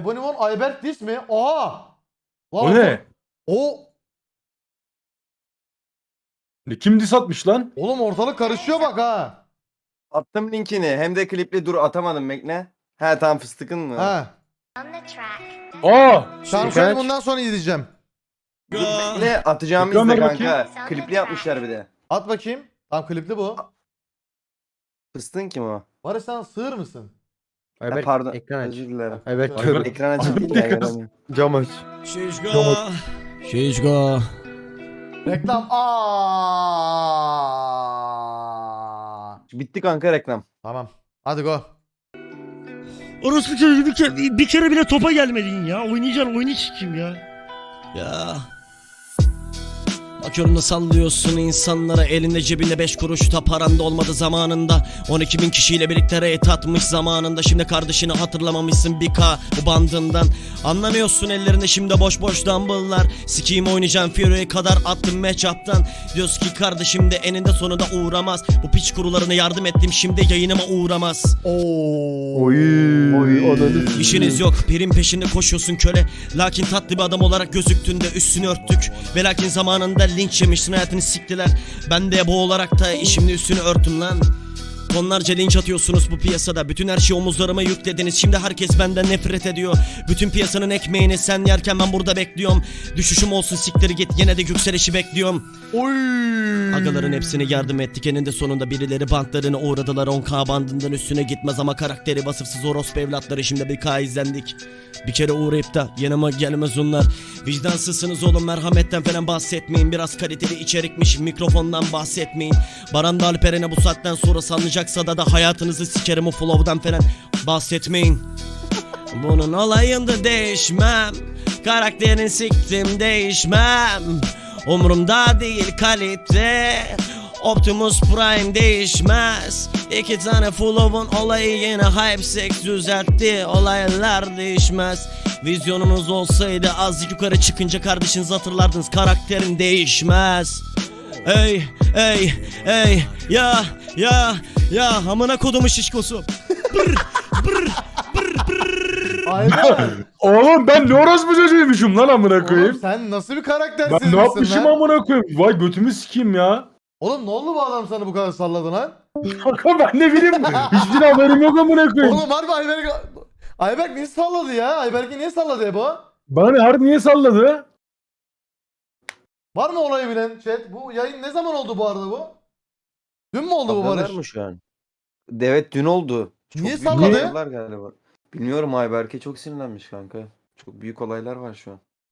Ebonimon Ayberk Dis mi? Oha! Lan O ne? O Kim diss atmış lan? oğlum ortalık karışıyor bak ha. Attım linkini. Hem de klipli dur atamadım bekle. He tamam fıstıkın mı? Ha. Aa! Tamam şöyle bundan sonra izleyeceğim. Dur bekle atacağımı Ekran izle ver kanka. Klipli yapmışlar bir de. At bakayım. Tamam klipli bu. Fıstığın kim o? Barış sen sığır mısın? Ha, Ayberk pardon. ekran aç. Özür dilerim. Ayberk Ayberk- kör. Ekran açık değil Ayberk ya kız. göremiyorum. Cam aç. Şişko. Şişko. Reklam. Aa. Bitti kanka reklam. Tamam. Hadi go. Orospu çocuğu bir kere bile topa gelmedin ya. Oynayacaksın oyunu sikeyim ya. Ya. Bakıyorum da sallıyorsun insanlara, elinde cebinde 5 kuruş da paranda olmadı zamanında. 12.000 kişiyle birlikte reyt atmış zamanında. Şimdi kardeşini hatırlamamışsın bir K bu bandından. Anlamıyorsun ellerinde şimdi boş boş dumbbell'lar. Sikiyim oynayacağım Fury'ye kadar attım matchup'tan. Diyorsun ki kardeşim de eninde sonunda uğramaz. Bu piç kurularına yardım ettim şimdi yayınıma uğramaz. Oo. Oy ananı. İşiniz yok, pirin peşinde koşuyorsun köle. Lakin tatlı bir adam olarak gözüktüğünde üstünü örttük. Ve lakin zamanında linç yemişsin, hayatını siktiler. Ben de bu olarak da işimde üstünü örtüm lan. Tonlarca linç atıyorsunuz bu piyasada. Bütün her şeyi omuzlarıma yüklediniz. Şimdi herkes benden nefret ediyor. Bütün piyasanın ekmeğini sen yerken ben burada bekliyorum. Düşüşüm olsun siktir git, yine de yükselişi bekliyorum. Oy. Agaların hepsini yardım ettik, eninde sonunda birileri bantlarını uğradılar. 10K bandından üstüne gitmez ama karakteri vasıfsız orospu evlatları. Şimdi bir K izlendik. Bir kere uğrayıp da yanıma gelmez onlar. Vicdansızsınız oğlum, merhametten falan bahsetmeyin. Biraz kaliteli içerikmiş, mikrofondan bahsetmeyin. Baran da Alperen'e bu saatten sonra salınacaksa da hayatınızı sikerim, o flow'dan falan bahsetmeyin. Bunun olayında değişmem, karakterini siktim değişmem. Umurumda değil kalite, Optimus Prime değişmez. 2 tane flow'un olayı yine hype sex düzeltti. Olaylar değişmez. Vizyonunuz olsaydı azıcık yukarı çıkınca kardeşinizi hatırlardınız. Karakterin değişmez. Ey ey ey ya ya amına kodumu şişkosu. Ayberk. Oğlum ben ne orospu çocuğuymuşum lan amına koyayım. Oğlum sen nasıl bir karaktersiz Ben ne misin yapmışım lan? amına koyayım? Vay götümü sikeyim ya. Oğlum ne oldu bu adam sana bu kadar salladı lan? Kanka ben ne bileyim. Hiçbir haberim yok amına koyayım. Oğlum harbi Ayberk niye salladı ya? Ayberk'i niye salladı ya bu? Bana ne harbi niye salladı? Var mı olayı bilen chat? Bu yayın ne zaman oldu bu arada bu? Dün mü oldu bu Haberler Barış? mi şu an? Evet dün oldu. Niye büyük salladı? olaylar galiba. Bilmiyorum Ayberk'e çok sinirlenmiş kanka. Çok büyük olaylar var şu an.